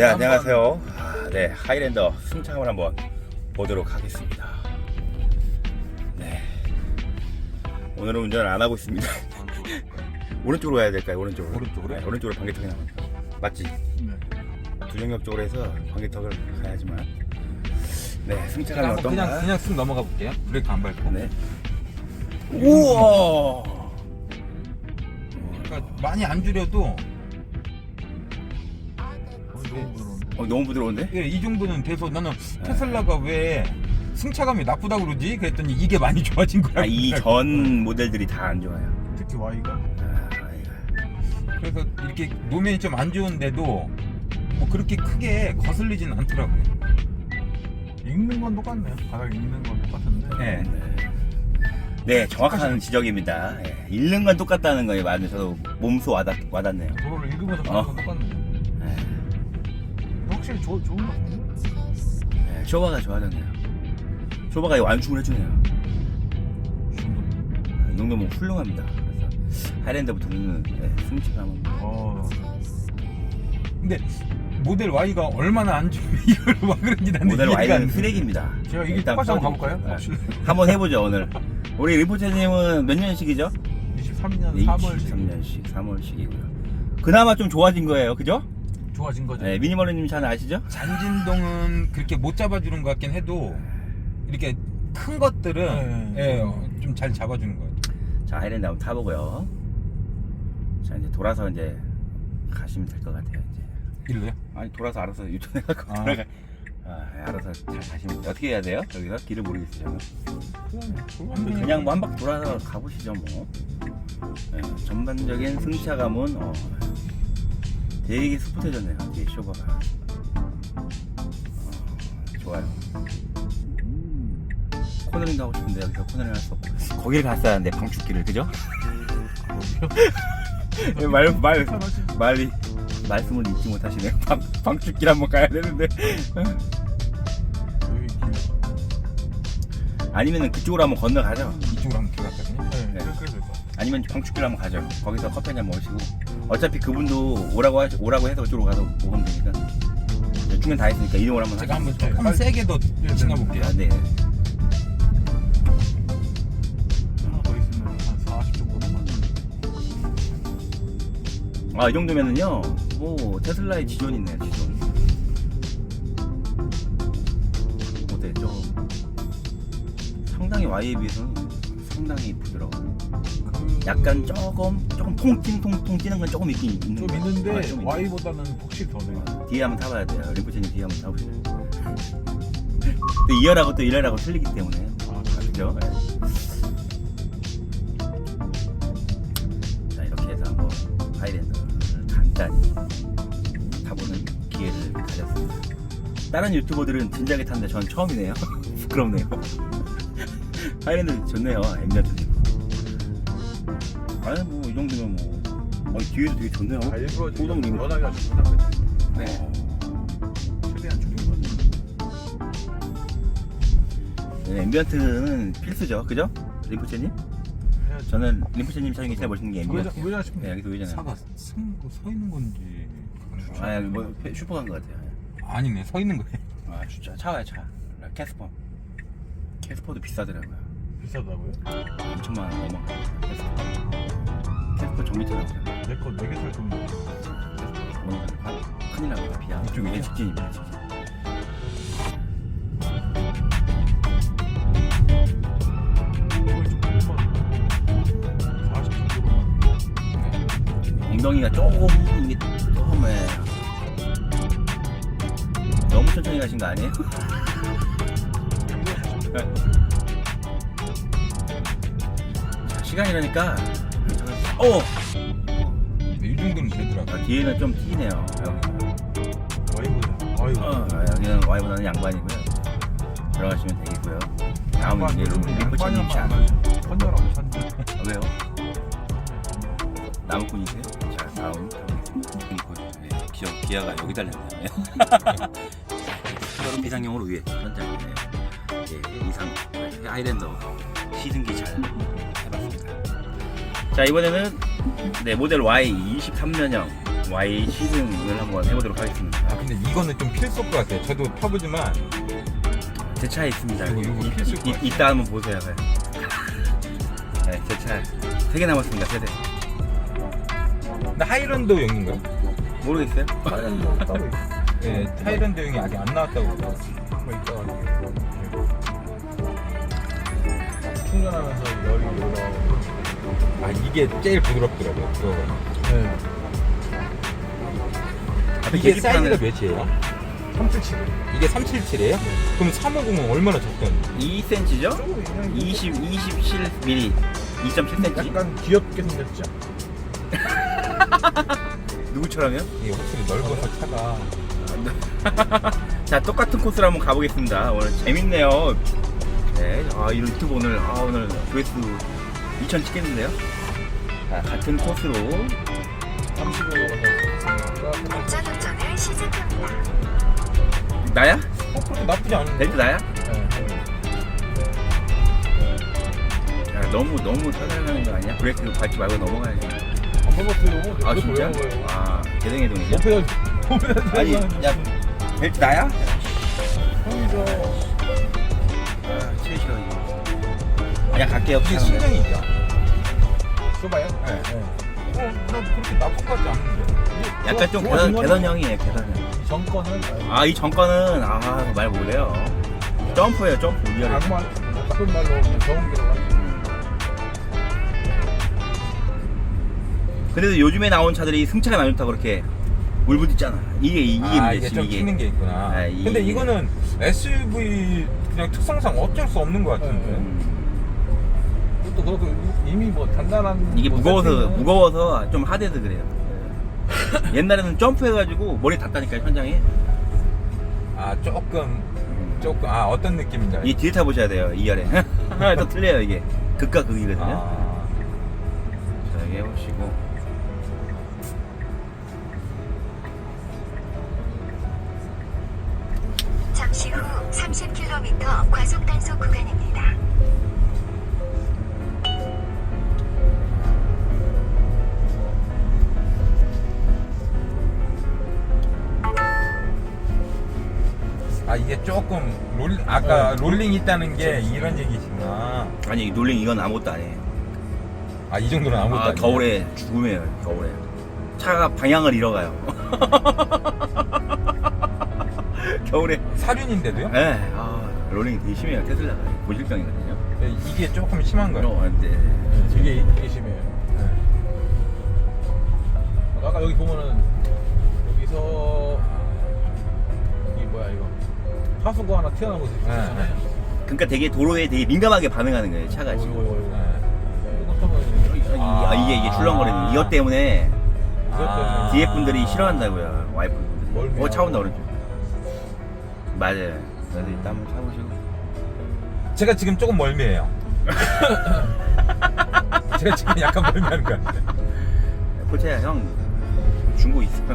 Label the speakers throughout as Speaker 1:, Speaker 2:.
Speaker 1: 네, 안녕하세요. 네, 하이랜더 승차감을 한번 보도록 하겠습니다. 네, 오늘은 운전을 안 하고 있습니다. 오른쪽으로 가야 될까요? 오른쪽으로.
Speaker 2: 오른쪽으로?
Speaker 1: 네, 오른쪽으로 방개턱이 나옵니다. 맞지?
Speaker 2: 네.
Speaker 1: 두정역 쪽으로 해서 방개턱을 가야지만. 네, 승차감이
Speaker 2: 한번
Speaker 1: 어떤가?
Speaker 2: 그냥 쓱 넘어가 볼게요. 브레이크 안 밟고.
Speaker 1: 네. 우와.
Speaker 2: 그러니까 많이 안 줄여도
Speaker 1: 너무 부드러운데?
Speaker 2: 예, 이 정도는 돼서 나는 테슬라가 왜 승차감이 나쁘다 그러지? 그랬더니 이게 많이 좋아진 거야.
Speaker 1: 이 전 모델들이 다 안 좋아요.
Speaker 2: 특히 Y가.
Speaker 1: Y가.
Speaker 2: 그래서 이렇게 노면이 좀 안 좋은데도 뭐 그렇게 크게 거슬리진 않더라고요.
Speaker 3: 읽는 건 똑같네요. 바닥 읽는 건 똑같은데.
Speaker 2: 네.
Speaker 1: 네, 정확한 지적입니다. 예, 읽는 건 똑같다는 거예요. 맞아요. 저도 몸소 와닿네요.
Speaker 3: 도로를 읽으면서 가는 건 똑같네요. 확실히 좋은 것 같은데.
Speaker 1: 네, 쇼바가 좋아졌네요. 쇼바가 이 완충을 해주네요. 이 정도면 훌륭합니다. 그래서 하이랜드부터는 승차감은
Speaker 2: 근데 모델 Y가 얼마나 안 좋으면 이걸 막 그런지 나는
Speaker 1: 모델
Speaker 2: 이해가 안
Speaker 1: Y는
Speaker 2: 돼.
Speaker 1: 쓰레기입니다.
Speaker 3: 제가 이게
Speaker 1: 일단
Speaker 3: 똑같이 한번
Speaker 1: 써줘.
Speaker 3: 가볼까요?
Speaker 1: 네. 한번 해보죠 오늘. 우리 리포트님은 몇 년식이죠?
Speaker 3: 23년 3월씩
Speaker 1: 23년식 3월식이고요. 그나마 좀 좋아진 거예요, 그죠?
Speaker 3: 좋아진 거죠.
Speaker 1: 네, 미니멀리님 잘 아시죠?
Speaker 2: 잔진동은 그렇게 못 잡아주는 것 같긴 해도 이렇게 큰 것들은 좀 잘 잡아주는 것 같아요.
Speaker 1: 자, 하이랜드 한번 타보고요. 자, 이제 돌아서 이제 가시면 될 것 같아요. 이제.
Speaker 2: 일로요?
Speaker 1: 아니 돌아서 알아서 유턴해갖고
Speaker 2: 아.
Speaker 1: 돌아가. 알아서 잘 가시면 돼요. 어떻게 해야 돼요? 여기서 길을 모르겠어요. 그냥 뭐 한 바퀴 돌아서 가보시죠 뭐. 네, 전반적인 승차감은 되게 스포트해졌네요. 뒤에 쇼바가 좋아요. 코너링도 하고 싶은데 여기서 코너링 할 수 없고 거기를 갔어야 하는데 방축기를 그죠? 말씀을 잊지 못하시네요. 방축길 한번 가야 되는데. 아니면은 그쪽으로 한번 건너가죠.
Speaker 2: 이쪽으로 한번 들어갔거든요.
Speaker 3: 네.
Speaker 1: 네.
Speaker 3: 그래서
Speaker 1: 아니면 방축길 한번 가죠. 거기서 커피 한잔 먹으시고. 어차피 그분도 오라고 해서 그쪽으로 가서 먹으면 되니까. 중간 다 했으니까 이동을 한번
Speaker 2: 제가 한번
Speaker 1: 하시죠.
Speaker 2: 조금 세게 더 지나볼게요.
Speaker 1: 네.
Speaker 3: 하나 더 있으면 한 40 정도만.
Speaker 1: 이 정도면은요. 뭐 테슬라의 지존이 있네요. 지존. 어때요? 상당히 Y에 비해서는 상당히 부드러워요. 약간 조금 통통 뛰는 건 조금 있긴 있는
Speaker 3: 좀
Speaker 1: 거예요.
Speaker 3: 있는데
Speaker 1: 좀
Speaker 3: Y보다는 확실히 더 네요.
Speaker 1: 뒤에 한번 타봐야 돼요. 림프체님 뒤에 한번 타보세요. 또 2열하고 또 1열하고 틀리기 때문에. 그죠? 네. 자, 이렇게 해서 한번 하이랜드를 간단히 타보는 기회를 가졌습니다. 다른 유튜버들은 진작에 탔는데 전 처음이네요. 부끄럽네요. 하이랜드 좋네요. 엠비언트님. 아니 뭐 이 정도면 뭐 뒤에도 되게 좋네요.
Speaker 3: 일부러
Speaker 1: 소동 리모.
Speaker 3: 연하게 하셨구나. 그죠?
Speaker 1: 네.
Speaker 3: 최대한 줄인 거죠.
Speaker 1: 네, 앰비언트는 필수죠, 그죠? 림프체님? 저는 림프체님 차량이 제일 멋있는 게 앰비언트.
Speaker 3: 우회전 싶은데.
Speaker 1: 네, 여기도 우회전해요.
Speaker 2: 차가 서 있는 건지.
Speaker 1: 여기 뭐 슈퍼 간 것 같아요.
Speaker 2: 아니네, 서 있는 거예요.
Speaker 1: 진짜 차가요, 차. 캐스퍼. 캐스퍼도 비싸더라고요.
Speaker 3: 비싸다고요?
Speaker 1: 2천만 원 넘어가요. 캐스퍼 전기차라고요.
Speaker 3: 내거 4개 살 건데.
Speaker 1: 큰일 납니다. 비야. 이쪽에 직진입니다. 직진. 엉덩이가 조금 너무 천천히 가신 거 아니에요? 자, 시간이라니까
Speaker 2: 이 정도는 되더라고요.
Speaker 1: 뒤에는 좀 튀기네요. 여기는 Y보다는 양반이고요. 들어가시면 되겠고요. 다음은 이제 림프체님 차.
Speaker 3: 선녀라고 선녀.
Speaker 1: 왜요? 나무꾼이세요? 자, 다음 기아가 여기 달렸네요. 여름 비상용으로 위에 현장 이상 하이랜더 시승기 잘 해봤습니다. 자, 이번에는 모델 Y 23년형 Y 시승을 한번 해보도록 하겠습니다.
Speaker 2: 아 근데 이거는 좀 필수일 것 같아요. 저도 타보지만
Speaker 1: 제 차에 있습니다.
Speaker 2: 이거 필수일 것 같아요.
Speaker 1: 이따 한번 보세요. 네, 제 차 3개 남았습니다. 3대.
Speaker 2: 근데 하이랜드용인가요?
Speaker 1: 모르겠어요.
Speaker 3: 다른 거 따로 있어.
Speaker 2: 네, 하이랜드용이 아직 안 나왔다고 그러더라고요.
Speaker 3: 뭐 있다가 충전하면서 열이 올라오고.
Speaker 2: 아 이게 제일 부드럽더라고요. 들어가.
Speaker 3: 네.
Speaker 2: 이게 사이즈가 몇이에요?
Speaker 3: 377.
Speaker 2: 이게 377이에요? 그럼 350은 얼마나 적던지?
Speaker 1: 2cm죠? 27mm. 2.7cm.
Speaker 3: 약간 귀엽게 생겼죠?
Speaker 1: 누구처럼요?
Speaker 2: 이게 확실히 넓어서 차가
Speaker 1: 자, 똑같은 코스로 한번 가보겠습니다. 오늘 재밌네요. 네, 이 유튜브 오늘 조회수 2,000 찍겠는데요? 자, 같은 코스로
Speaker 3: 35도가
Speaker 4: 목전 운전을 시작합니다.
Speaker 1: 나야?
Speaker 2: 그렇게 나쁘지 않은데?
Speaker 1: 벨트 나야?
Speaker 3: 네.
Speaker 1: 야, 너무 살살하는 거 아니야? 브레이크 밟지 말고 넘어가야지.
Speaker 3: 안 먹었어요.
Speaker 1: 아, 진짜? 아, 개성해동이죠?
Speaker 3: 목표가
Speaker 1: 아니, 야, 벨트 나야?
Speaker 3: 형이죠.
Speaker 1: 아, 제일 싫어, 이거. 그냥 갈게요.
Speaker 2: 이게
Speaker 1: 차는.
Speaker 2: 신장이죠?
Speaker 3: 줘봐요.
Speaker 2: 네. 나 그렇게 나쁜 것 같지 않은데.
Speaker 1: 약간 좀 개선형이에요, 개선형.
Speaker 3: 정권은
Speaker 1: 이 정권은, 말 못해요. 점프예요, 점프. 리얼해.
Speaker 3: 악말 나쁜 말로 그냥 좋은 길로 가는.
Speaker 1: 근데도 요즘에 나온 차들이 승차가 많이 좋다고 그렇게 울부짖잖아. 이게 문제지,
Speaker 2: 좀 튀는 게 있구나.
Speaker 1: 아,
Speaker 2: 근데 이거는 SUV 그냥 특성상 어쩔 수 없는 것 같은데.
Speaker 3: 그것도 그렇고 이미 뭐 단단한
Speaker 1: 이게
Speaker 3: 뭐
Speaker 1: 무거워서
Speaker 3: 세팅은
Speaker 1: 좀 하대서 그래요. 옛날에는 점프해가지고 머리 닿다니까 현장에.
Speaker 2: 아 조금 어떤 느낌인지 알죠?
Speaker 1: 이 뒤에 타보셔야 돼요. 2열에. 또 틀려요 이게. 극과 극이거든요. 자, 여기 해보시고.
Speaker 4: 잠시 후 30km 과속 단속 구간입니다.
Speaker 2: 이게 조금 롤링 있다는 게 이런 얘기시구나.
Speaker 1: 아니 놀링 이건 아무것도 아니에요.
Speaker 2: 이 정도는 아무것도 아니에요.
Speaker 1: 겨울에 죽음이에요. 겨울에 차가 방향을 잃어가요. 겨울에.
Speaker 2: 사륜인데도요?
Speaker 1: 네. 롤링이 되게 심해요. 테슬라가 고질병이거든요.
Speaker 2: 네, 이게 조금 심한 거예요.
Speaker 1: 네.
Speaker 3: 이게 심해요. 아까 여기 보면은 여기서 이 뭐야 이거 하수구 하나 튀어나온 곳이 있잖아요.
Speaker 1: 그러니까 되게 도로에 되게 민감하게 반응하는 거예요. 차가 지금. 이게 출렁거리는 이것 때문에 뒤에 분들이 싫어한다고요. 와이프분들이. 차 온다 그러죠. 맞아요. 그래서 이따 한번 차보시고.
Speaker 2: 제가 지금 조금 멀미해요. 제가 지금 약간 멀미하는 것 같아요.
Speaker 1: 포차야 형 중고 있어요.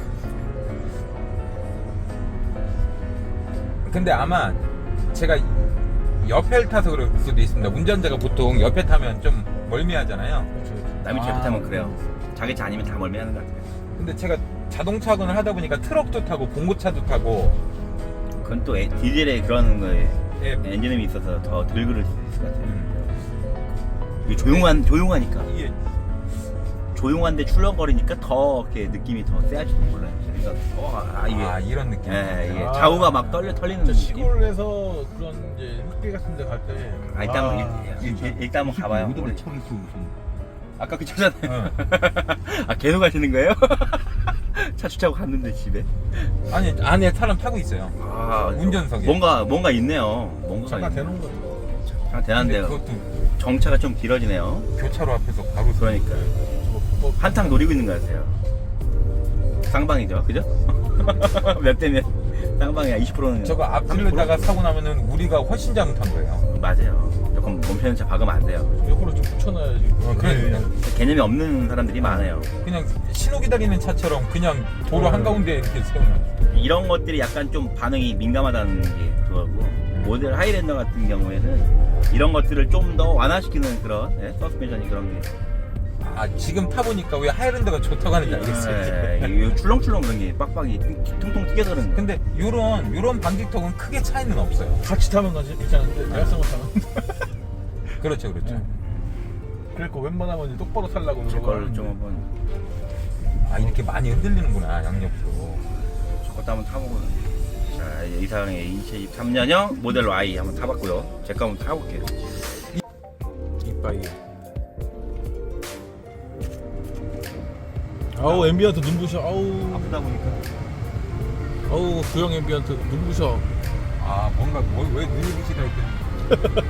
Speaker 2: 근데 아마 제가 옆에 타서 그럴 수도 있습니다. 운전자가 보통 옆에 타면 좀 멀미하잖아요.
Speaker 1: 남이 차 옆에 타면 그래요. 자기 차 아니면 다 멀미하는 것 같아요.
Speaker 2: 근데 제가 자동차 운전을 하다 보니까 트럭도 타고 봉고차도 타고
Speaker 1: 그건 또 디젤의 그런 거에
Speaker 2: 예,
Speaker 1: 엔진음이 있어서 더 덜 그럴 수도 있을 것 같아요. 이게 조용하니까.
Speaker 2: 이게
Speaker 1: 조용한데 출렁거리니까 더 이렇게 느낌이 더 세할지도 몰라요. 그러니까 이게
Speaker 2: 이런 느낌.
Speaker 1: 이게 좌우가 막 털리는
Speaker 3: 저
Speaker 1: 느낌.
Speaker 3: 시골에서 그런 이제 흑비 같은 데 갈 때
Speaker 1: 일단 한번 가봐요. 아까 그 차잖아요. 계속 가시는 거예요? 차 주차하고 갔는데 집에.
Speaker 2: 아니 안에 사람 타고 있어요. 운전석에.
Speaker 1: 뭔가 있네요. 뭔가
Speaker 3: 잠깐 대놓은 거죠.
Speaker 1: 잠깐 대단한데요.
Speaker 2: 그것도
Speaker 1: 정차가 좀 길어지네요.
Speaker 2: 교차로 앞에서 바로
Speaker 1: 그러니까 한탕 노리고 있는 것 같아요. 쌍방이죠, 그죠? 몇 대면 쌍방이야. 20%는.
Speaker 2: 저거 앞질러다가 사고 나면은 우리가 훨씬 잘못한 거예요.
Speaker 1: 맞아요. 조금 멈추는 차 박으면 안 돼요.
Speaker 3: 옆으로 좀 붙여놔야지.
Speaker 2: 그러니까
Speaker 1: 개념이 없는 사람들이 많아요.
Speaker 2: 그냥 신호 기다리는 차처럼 그냥 도로 한가운데 이렇게 세워놔.
Speaker 1: 이런 것들이 약간 좀 반응이 민감하다는 게 그거고, 모델 하이랜더 같은 경우에는 이런 것들을 좀 더 완화시키는 그런 서스펜션이 그런 게
Speaker 2: 아 지금 타보니까 왜 하이랜드가 좋다고 하는지 알겠어요.
Speaker 1: 이 출렁출렁 그런 게 빡빡이 통통 튀겨서 그런 거.
Speaker 2: 근데 요런 방지턱은 크게 차이는 없어요.
Speaker 3: 같이 타면 가지 괜찮은데 내가 쓴거 타면.
Speaker 2: 그렇죠, 그렇죠.
Speaker 3: 네. 그러니까 웬만하면 이제 똑바로 타려고
Speaker 1: 제 걸 좀
Speaker 3: 노력을
Speaker 1: 한번
Speaker 2: 아 이렇게 많이 흔들리는구나 양옆으로.
Speaker 1: 저것도 한번 타보고. 자, 이상의 2023년형 모델 Y 한번 타봤고요. 제 거 한번 타볼게요.
Speaker 3: 이빠이. 아우 앰비언트 눈부셔. 아우
Speaker 1: 아프다 보니까.
Speaker 3: 아우 구형 앰비언트 눈부셔.
Speaker 2: 아 뭔가 왜 눈이 부시다 했더니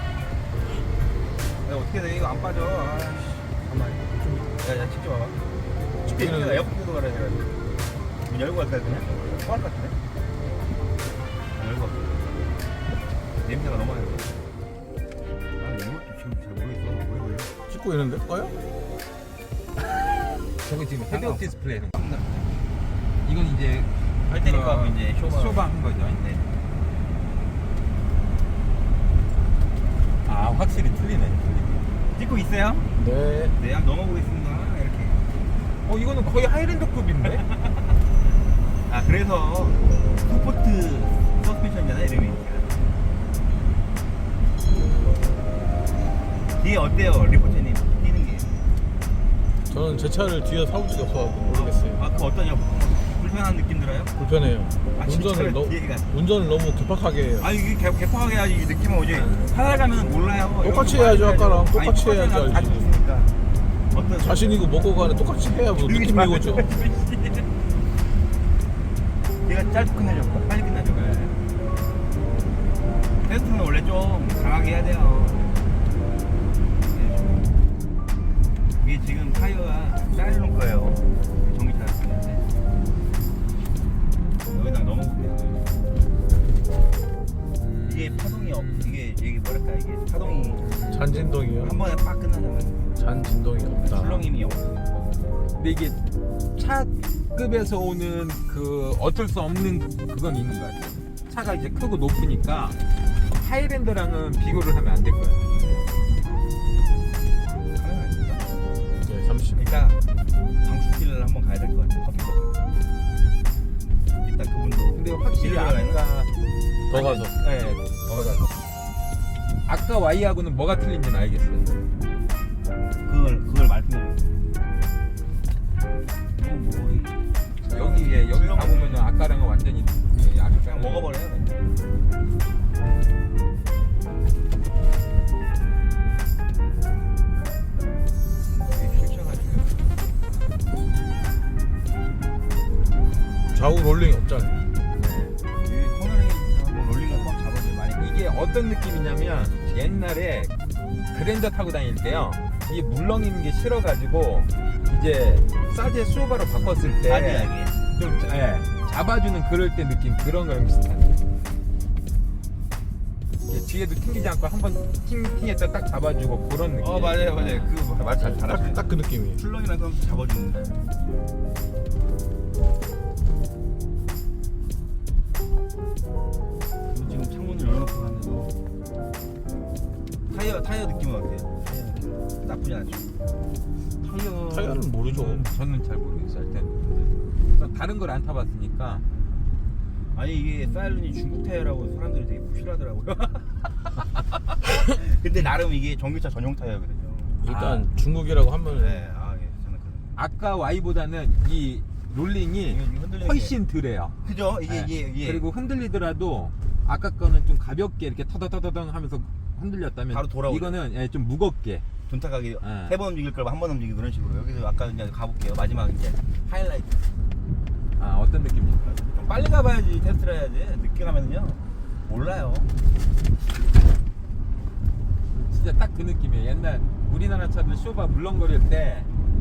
Speaker 1: 야, 어떻게 돼? 이거 안 빠져. 아이씨. 가만히. 야, 직접 와봐.
Speaker 3: 이거는-
Speaker 1: 내가 에어컨도 갈아야 돼가지고. 문 열고 갈까, 그냥? 토할 것 같은데? 안 열고 갈까? 냄새가 너무 많이 나. 아, 이것도 지금 잘 모르겠어. 왜 그래?
Speaker 3: 찍고 있는데 꺼요?
Speaker 2: 저거 지금 헤드업 디스플레이 하는 거. 이건 이제
Speaker 1: 할 테니까
Speaker 2: 그
Speaker 1: 이제 쇼바
Speaker 2: 한 거죠.
Speaker 1: 네.
Speaker 2: 아 확실히 틀리네.
Speaker 1: 찍고 있어요?
Speaker 3: 네.
Speaker 1: 네, 한번 넘어보겠습니다. 이렇게.
Speaker 2: 이거는 거의 하이랜드급인데?
Speaker 1: 아, 그래서 스포트 서스펜션이잖아, 이름이. 뒤에 어때요, 리포터님? 뛰는 게.
Speaker 3: 저는 제 차를 뒤에 사본 적이 없어가지고 모르겠어요.
Speaker 1: 아, 그거 어떠냐? 불편한 느낌 들어요?
Speaker 3: 불편해요.
Speaker 1: 아, 진짜요? 뒤에가.
Speaker 3: 운전을 너무 개팍하게 해요.
Speaker 1: 아, 이게 개파하게 해야지 이 느낌은 오지. 살아가면 몰라요.
Speaker 3: 똑같이
Speaker 1: 여기
Speaker 3: 해야죠,
Speaker 1: 많이
Speaker 3: 아까랑.
Speaker 1: 해야죠.
Speaker 3: 똑같이
Speaker 1: 아니,
Speaker 3: 해야지
Speaker 1: 똑같이
Speaker 3: 알지.
Speaker 1: 가지고 있으니까. 어떤
Speaker 3: 자신이고 먹고 가는 똑같이 해야 뭐 느낌이 오죠.
Speaker 1: 얘가 짧게 끝나죠. 빨리 끝나죠. 테스트는 원래 좀 강하게 해야 돼요. 이게 지금 타이어가 사이로는 거예요. 전기차 쓰는데. 여기다 넣어볼게요. 이게 파동이 이게 뭐랄까 이게 파동이
Speaker 3: 잔진동이요.
Speaker 1: 한 번에 빡 끝나잖아요.
Speaker 3: 잔진동이 없다.
Speaker 1: 출렁임이 없어요.
Speaker 2: 근데 이게 차급에서 오는 그 어쩔 수 없는 그건 있는 것 같아요. 차가 이제 크고 높으니까 하이랜드랑은 비교를 하면 안 될 거예요.
Speaker 1: 카메라 있을까?
Speaker 3: 네, 30.
Speaker 1: 일단 방출길을 한번 가야 될 것 같아요. 커피 먹으러. 일단 그분도.
Speaker 2: 근데 확실히
Speaker 1: 길을 가야 되나?
Speaker 3: 더 가서.
Speaker 2: 네, 더 가서. 아까 Y하고는 뭐가 틀린지는 알겠어요.
Speaker 1: 그걸 말씀해 주세요.
Speaker 2: 여기 가보면은 아까랑은 완전히
Speaker 1: 그냥 먹어버려요.
Speaker 3: 좌우 롤링이 없잖아요.
Speaker 1: 코너링이 롤링을 꽉 잡아줘요. 많이.
Speaker 2: 이게 어떤 느낌이냐면 옛날에 그랜저 타고 다닐 때요. 이 물렁이는 게 싫어가지고 이제 사제 수오바로 바꿨을 때
Speaker 1: 아니야
Speaker 2: 좀 잡아주는 그럴 때 느낌 그런 거랑 비슷하네. 이게 뒤에도 튕기지 않고 한번 팅팅했다 딱 잡아주고 그런 느낌.
Speaker 1: 맞아요. 그 말 잘 잘하시네.
Speaker 3: 딱 그 느낌이에요.
Speaker 1: 출렁이랑 그럼 잡아주는데. 지금 창문을 열어놓고 가는데도 타이어 느낌은 어때요? 타이어 느낌 나쁘지 않죠.
Speaker 3: 타이어는 모르죠.
Speaker 2: 저는 잘 모르겠어요. 일단 다른 걸 안 타봤으니까.
Speaker 1: 아니 이게 사일런이 중국 타이어라고 사람들이 되게 부실하더라고요. 근데 나름 이게 전기차 전용 타이어거든요.
Speaker 3: 일단 중국이라고 하면
Speaker 1: 네, 저는
Speaker 2: 아까 Y보다는 이 롤링이
Speaker 1: 흔들리는
Speaker 2: 훨씬 덜해요.
Speaker 1: 그죠? 이게
Speaker 2: 그리고 흔들리더라도 아까 거는 좀 가볍게 이렇게 터더터더덩 하면서 흔들렸다면
Speaker 1: 바로 돌아오죠.
Speaker 2: 이거는 좀 무겁게.
Speaker 1: 돈탁하게
Speaker 2: 네.
Speaker 1: 3번 움직일 걸 한 번 움직이고 그런 식으로. 여기서 아까 이제 가볼게요. 마지막 이제 하이라이트.
Speaker 2: 어떤 느낌입니까?
Speaker 1: 좀 빨리 가봐야지 테스트를 해야지. 늦게 가면은요 몰라요.
Speaker 2: 진짜 딱 그 느낌이에요. 옛날 우리나라 차들 쇼바 물렁거릴 때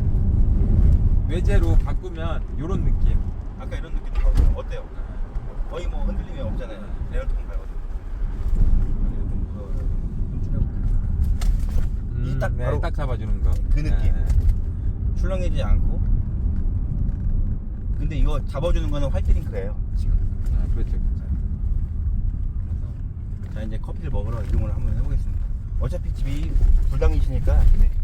Speaker 2: 외제로 바꾸면 요런 느낌.
Speaker 1: 아까 이런 느낌 들어요. 어때요? 거의 뭐 흔들림이 없잖아요. 레어통 밟아도. 좀 무서워요. 좀 줄여볼게요. 딱 바로
Speaker 2: 딱 잡아주는 거.
Speaker 1: 그 느낌. 출렁이지 않고. 근데 이거 잡아주는 거는 화이트링크예요 지금.
Speaker 2: 그렇죠.
Speaker 1: 그래서 자 이제 커피를 먹으러 이동을 한번 해보겠습니다. 어차피 집이 불당이시니까 네.